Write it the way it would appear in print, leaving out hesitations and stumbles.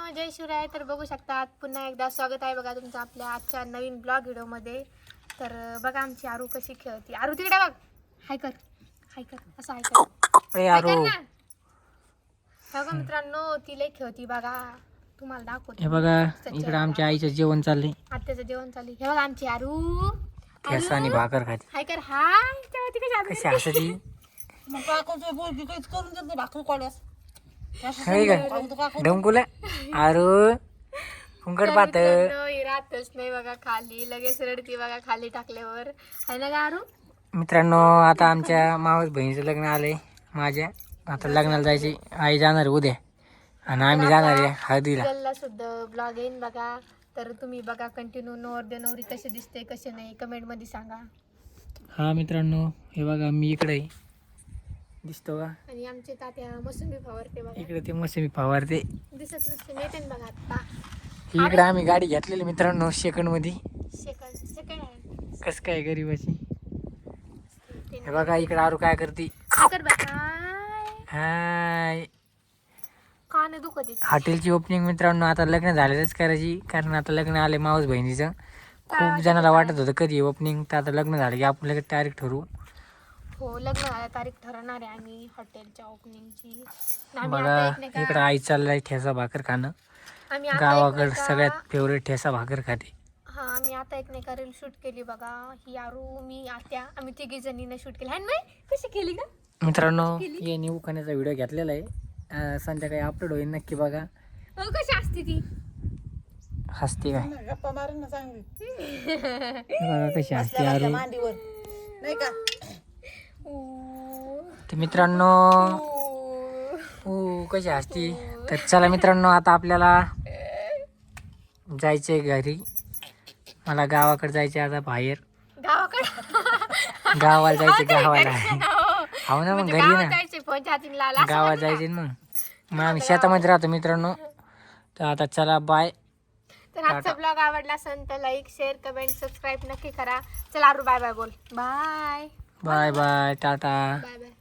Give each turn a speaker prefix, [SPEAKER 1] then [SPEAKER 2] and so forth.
[SPEAKER 1] जय शिवराय. तर बघू शकतात पुन्हा एकदा स्वागत आहे बघा तुमचं आपल्या आजच्या नवीन ब्लॉग व्हिडिओमध्ये. तर बघा आमची आरू कशी खेळती. आरू तिकडे बघ, हाय कर, हाय कर, असं हाय कर, हाय कर ना. बघा मित्रांनो ती लय खेळती बघा, तुम्हाला दाखवते.
[SPEAKER 2] हे बघा इकडे आमच्या आईचं जेवण चाललंय.
[SPEAKER 1] आत्याचं जेवण चालू. हे बघा आमची आरू
[SPEAKER 2] ठेसा आणि भाकर खाते.
[SPEAKER 1] हाय कर, हाय. तेव्हा ती
[SPEAKER 2] कशी हसायची.
[SPEAKER 3] मग काकूचं बोलकी काहीच करून देत नाही भाकरी कोल्यास
[SPEAKER 2] डंकुला आरू फुंकट पात
[SPEAKER 1] राहतच नाही बघा खाली, लगेच रडती बघा खाली टाकल्यावर. आहे ना का आरू?
[SPEAKER 2] मित्रांनो आता आमच्या मावस बहिणीचं लग्न आलंय. माझ्या आता लग्नाला जायची. आई जाणार आहे उद्या आणि आम्ही जाणार आहे हळदीला.
[SPEAKER 1] गल्ला सुद्धा ब्लॉग येईन बघा. तर तुम्ही बघा कंटिन्यू नवर नवरी कसे दिसते कसे नाही कमेंट मध्ये सांगा.
[SPEAKER 2] हा मित्रांनो हे बघा मी इकडे दिसतो का.
[SPEAKER 1] आणि आमचे तात्या मोसंबी फवारते बघा.
[SPEAKER 2] इकडे ते मोसंबी फवारते.
[SPEAKER 1] दिसत नसते नेते बघा आता.
[SPEAKER 2] इकडे आम्ही गाडी घेतलेली मित्रांनो सेकंड मध्ये.
[SPEAKER 1] सेकंड आहे.
[SPEAKER 2] कस काय गरीबाची. हे बघा इकडे आरू काय करते.
[SPEAKER 1] कर बाय.
[SPEAKER 2] हाय
[SPEAKER 1] कान दुखत
[SPEAKER 2] हॉटेलची ओपनिंग मित्रांनो आता लग्न झालेलंच करायची. कारण आता लग्न आले मावस बहिणीचं. खूप जणांना वाटत होतं कधी ओपनिंग, तर आता लग्न झालं की आपण लगेच तारीख ठरवू.
[SPEAKER 1] हो लग्न झालं तारीख ठरवणार आहे आम्ही हॉटेलच्या ओपनिंगची.
[SPEAKER 2] बघा इकडं आई चाललाय ठेसा भाकर खाणं. गावाकडं सगळ्यात फेवरेट ठेसा भाकर खाते.
[SPEAKER 1] हा आम्ही आता एक नाही का रील शूट केली बघा. ही आरू मी आत्या आम्ही तिघी जणीनं शूट केली. आणि कशी केली का
[SPEAKER 2] मित्रांनो हे न्यू खाण्याचा व्हिडिओ घेतलेला आहे. संध्याकाळी अपलोड होईल नक्की बघा.
[SPEAKER 1] कशी असते ती
[SPEAKER 2] हसते काय
[SPEAKER 3] गप्पा मारून ना चांगली
[SPEAKER 2] बघा कशी हसते आरू.
[SPEAKER 3] मांडीवर नाही का.
[SPEAKER 2] तर मित्रांनो कशी हसती. तर चला मित्रांनो आता आपल्याला जायचंय घरी. मला गावाकडे जायचे आता बाहेर. गावाला जायचे गावाला. हो ना मग घरी ना गावात जायचे मग आम्ही शेतामध्ये राहतो मित्रांनो. तर आता चला बाय.
[SPEAKER 1] तर आजचा ब्लॉग आवडला असेल तर लाईक शेअर कमेंट सबस्क्राईब नक्की करा. चला आरू बाय बाय बोल. बाय
[SPEAKER 2] बाय बाय टाटा.
[SPEAKER 1] Bye bye.